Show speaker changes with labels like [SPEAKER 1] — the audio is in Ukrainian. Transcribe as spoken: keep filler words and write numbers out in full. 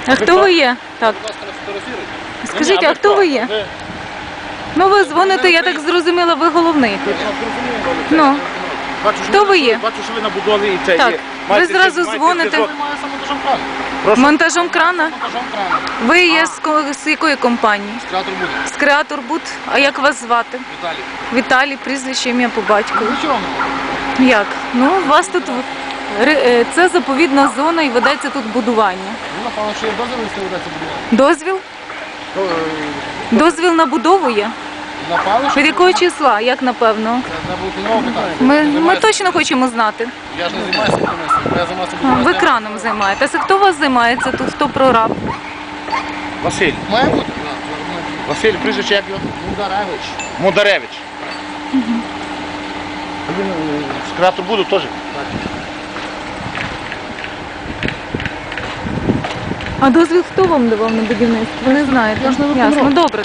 [SPEAKER 1] А хто ви є? Так. Скажіть, а хто ви є? Ну ви дзвоните, я так зрозуміла, ви головний тут. Ну, хто ви є?
[SPEAKER 2] Бачу, що ви на будові і це
[SPEAKER 1] Так,
[SPEAKER 2] є.
[SPEAKER 1] ви
[SPEAKER 2] Маєте
[SPEAKER 1] зразу
[SPEAKER 2] зв'язок,
[SPEAKER 1] дзвоните.
[SPEAKER 2] маєте зв'язок.
[SPEAKER 3] Монтажом крана.
[SPEAKER 2] Прошу?
[SPEAKER 1] Монтажом крана?
[SPEAKER 3] Монтажом крана.
[SPEAKER 1] Ви є з, ко- з якої компанії?
[SPEAKER 3] Креатор буде.
[SPEAKER 1] З Креатор Буд. А як вас звати?
[SPEAKER 3] Віталій.
[SPEAKER 1] Віталій, прізвище, ім'я по батькові.
[SPEAKER 3] Ну чого?
[SPEAKER 1] Як? Ну, у вас тут в- ри- е, це заповідна зона і ведеться тут будування.
[SPEAKER 3] Ну, напевно, що є дозвіл, якщо ведеться будувати.
[SPEAKER 1] Дозвіл? Дозвіл на будову є?
[SPEAKER 3] Напевно, що
[SPEAKER 1] Від якого числа? Як напевно?
[SPEAKER 3] це не було кінного питання.
[SPEAKER 1] Ми,
[SPEAKER 3] Я
[SPEAKER 1] ми
[SPEAKER 3] займаюся-
[SPEAKER 1] точно хочемо знати.
[SPEAKER 3] Я ж не займаюся будівництвом. Я займаюся
[SPEAKER 1] А, ви
[SPEAKER 3] будівництвом.
[SPEAKER 1] краном займаєтеся. Хто у вас займається тут? Хто прораб?
[SPEAKER 2] Василь.
[SPEAKER 3] Має бути?
[SPEAKER 2] Василь, прізвище як його?
[SPEAKER 3] Мударевич.
[SPEAKER 2] Мударевич. Він е, з Креатор буду теж.
[SPEAKER 1] А дозвіл хто вам давав на будівництво? Ви не знаєте?
[SPEAKER 3] Я ж не
[SPEAKER 1] Ясно,
[SPEAKER 3] виконроб.
[SPEAKER 1] добре.